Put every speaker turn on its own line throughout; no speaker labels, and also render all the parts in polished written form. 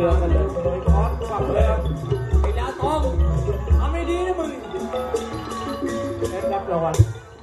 รือกันเลยโดยคอสกลับเลยครับไอ้ดาวทองทำไม่ดีนะมึงได้รับรางวัล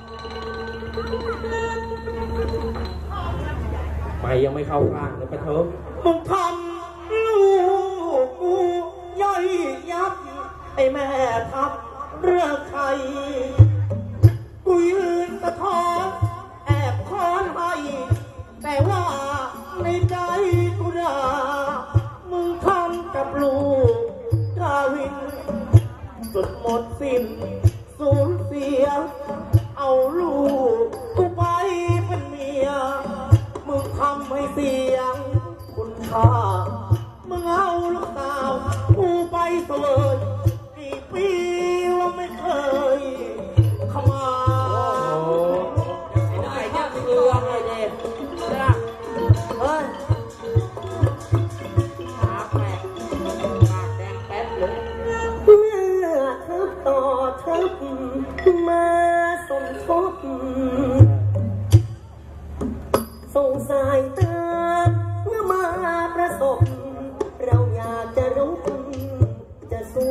ไม่ยังไม่เข้าข้างเลยปะเถิมมึงทำลูกกูย่อยยับไอ้แม่ทับเรื่องใครกูยืนสะท้อนแอบคอนให้แต่ว่าในใจกูด่ามึงทำกับลูกกาวินสุดหมดสิ้นสูญเสียเอาลูกกูไปเป็นเมียมึงทำให้เสียงคุณค่ามึงเอาลูกสาวกูไปเสวยกี่ปีว่าไม่เคยเข้ามาไอ้เนี่ยคืออะไรเนี่ยเฮ้ยปากแปะปากแดงแป๊บเลย
เมื่อเธอต่อเธอมาสมทบส่งสายตาเมื่อมาประสบเราอยากจะรู้จะสู้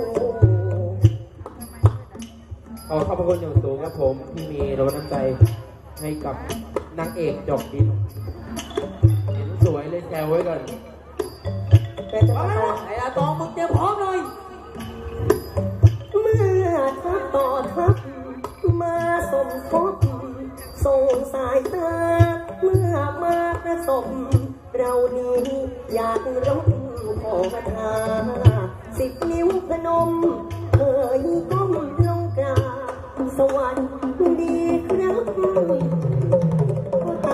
ขอขอบพระคุณอย่างสูงครับผมที่มีรถน้ำใจให้กับนางเอกดอกดินเห็นสวยเลยแซวไว้ก่อน
แต่จะมา
ไอ้อาตองมึงเตรียมพร้อมเลย
เมื่อเธอต่อเธอมาสมทบส่งสายตาเมื่อมาประสบเรานี้อยากร้องขอคาถา10 นิ้วพนมเอ่ยก้มลงกราบสวัสดีครับพ่อตา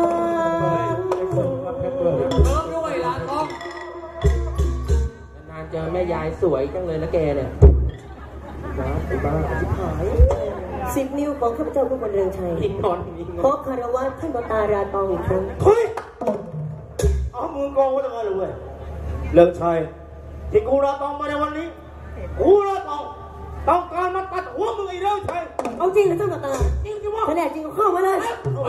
ด้วยล่ะทองนานเจอแม่ยายสวยจังเลยนะแกเนี่ยไอ้บ้าชิบหาย
10 นิ้วของข้าพเจ้าผู้บรรเรืองชัยขอคารวะท่านพ่อตาราตองอีกครั้ง
เฮ้ยเอามือกองไว้ตรงนั้นเลยเว้ยเรืองชัยที่กูราตองมาในวันนี้กูราตองต้องการมาตัดหัวมึงไอ้เรืองชัย
เอาจริงเหรอท่านพ่อตา
จริงจิวะ
ถ้าแน่จริงก็เข้ามาเลย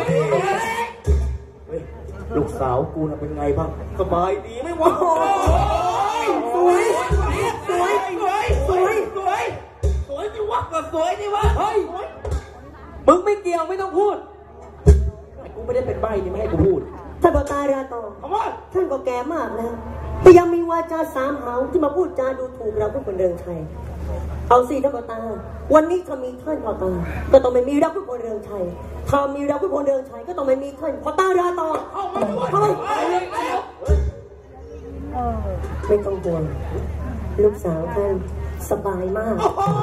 ลูกสาวกูน่ะเป็นไงบ้างสบายดีไหมวะ
สวยสวยสวยสวย
สวยสวยจิวะก็สวยจิวะเฮ้ยมึงไม่เกี่ยวไม่ต้องพูดกูไม่ได้เป็นใบ้นี่ไม่ให้กูพูด
ท่านพ่อตาราตองท่านก็แก่มากแล้วแต่ยังมีวาจา3 หาวที่มาพูดจาดูถูกเราผู้คนเรืองชัยเอาสิท่านพ่อตาวันนี้ถ้ามีท่านพ่อตาก็ต้องไม่มีเราผู้คนเรืองชัยถ้ามีเราผู้คนเรืองชัยก็ต้องไม่มีท่านพ่อตาราตองเข้าไปไม่ต้องห่วงลูกสาวท่านสบายมาก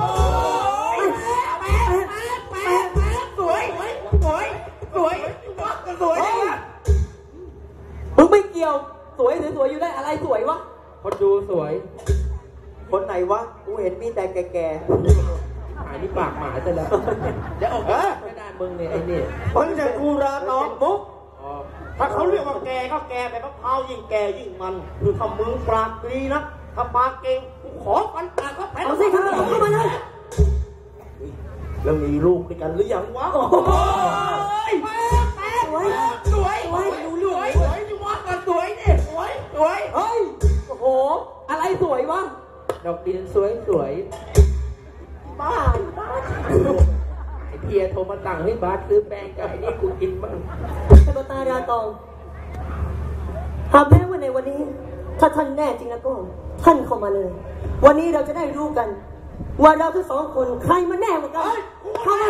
สวยสวยสวยสวยมึงไม่เกี่ยวสวยสวยอยู่ได้อะไรสวยวะคนดูสวยคนไหนวะกูเห็นมีแต่แก่ๆหายนี่ปากหมาซะแล้วเดี๋ยวออกไม่ได้มึงเนี่ยไอ้นี่คนจะกูราน้องมุกถ้าเขาเรียกว่าแกก็แกแบบมะพร้าวยิ่งแกยิ่งมันคือถ้ามึงปากดีนะถ้าปากเก่งกูขอฟันปากเขาแผ่น
เอาสิครับเข้ามาเลย
แล้วมีลูกด้วยกันหรือยังวะโอ้ยสวยสวยสวยดูสวยสวยที่ว่ากันสวยเนี่ยสวยสวยเฮ้ยโอ้โหอะไรสวยวะดอกดินสวยสวยบ้าไอเพียโทรมาสั่งให้บาสซื้อแป้งกับไอ้นี่กูกินบ้าง
ท่านพ่อตาราตองหากแม้ว่าในวันนี้ถ้าท่านแน่จริงแล้วก็ท่านเข้ามาเลยวันนี้เราจะได้รู้กันว่าเราทั้ง2 คนใครมันแน่กว่ากันเข้ามา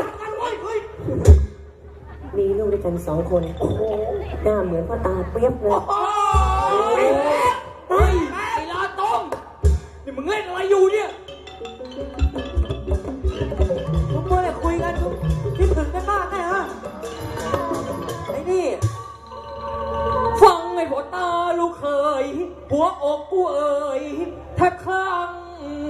มีลูกด้วยกัน2 คนหน้าเหมือนพ่อตาเปรียบเลย
ไอ้ลาตองนี่มึงเล่นอะไรอยู่เนี่ยทุกคนเลยคุยกันคิดถึงกันมากแน่ฮะไอ้นี่ฟังไอ้พ่อตาลูกเคยหัวอกกูเอ่ยถ้าครั้ง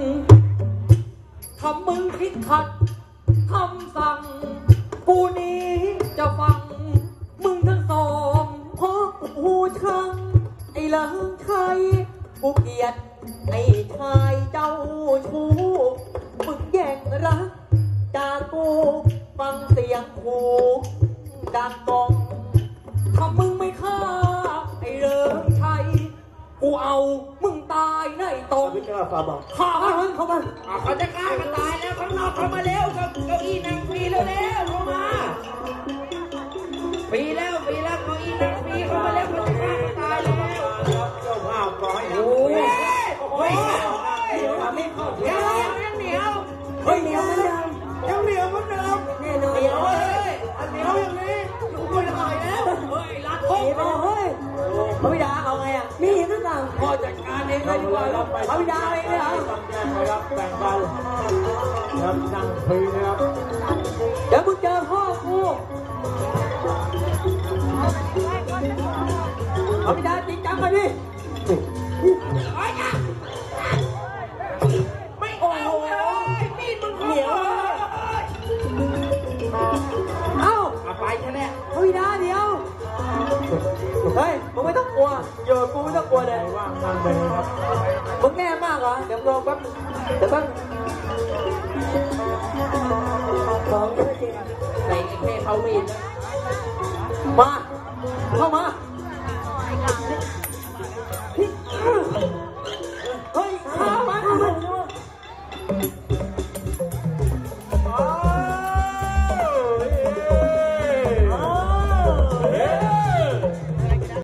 ถ้ามึงคิดขัดคำสั่งกูนี้จะฟังมึงทั้ง2เพราะกูชังไอ้เลิงชัยกูเกลียดไอ้ชายเจ้าชู้มึงแย่งรักจากกูฟังเสียงกูดังกองถ้ามึงไม่ฆ่าไอ้เลิงชัยกูเอามึงต
ายในตรง
พี่เจ้าฟ้าบอก
ข้ามันเข้ามา
เขาจะฆ่ากันตายแล้วข้างนอกเข้ามาเร็วเก้าอี้นั่งฟรีเร็วเข้ามาฟรีแล้วเก้าอี้นั่งฟรีเข้ามาแล้วเขาจะฆ่ากันตายแล้วเจ้าภาพก่อนโอ้ยไม่เข้าเหนียวยังเหนียว
เฮ้ยเหนียวเหมือนเดิม
ยังเหนียวเหมือนเดิม
แน่นอน
เหนียวเลยเหนียวอย่างนี้อยู่ไม่ได้แล้วเฮ้ยรัด
เฮ้ยเฮ้ย
พระบิดาเอาไงอ่ะ
มีหรือเปล่า
พ่อจัดการเองเลยดีกว่า
พระบิดาเองเลยเหรอ
ครับแบ่งกันครับนั่งฟรีนะครับ
เดี๋ยวมึงเจอพ่อกูพระบิดาจริงจังมาดิ
ไม่โอ้โหมีดมึงเหนียว
เอ้า
ไปใช่ไหม
พระบิดาเดี๋ยวเฮ้ยมึงไม่ต้องกลัวโยนกูไม่ต้องกลัวเลย
ว่างนั่งไปครับ
มึงแน่มากเหรอเดี๋ยวรอแป๊บเดี๋ยวแป๊บ
ของเยอะจริง
ใส่แค่เขามีด
มาเข้ามาเฮ้ยข้ามา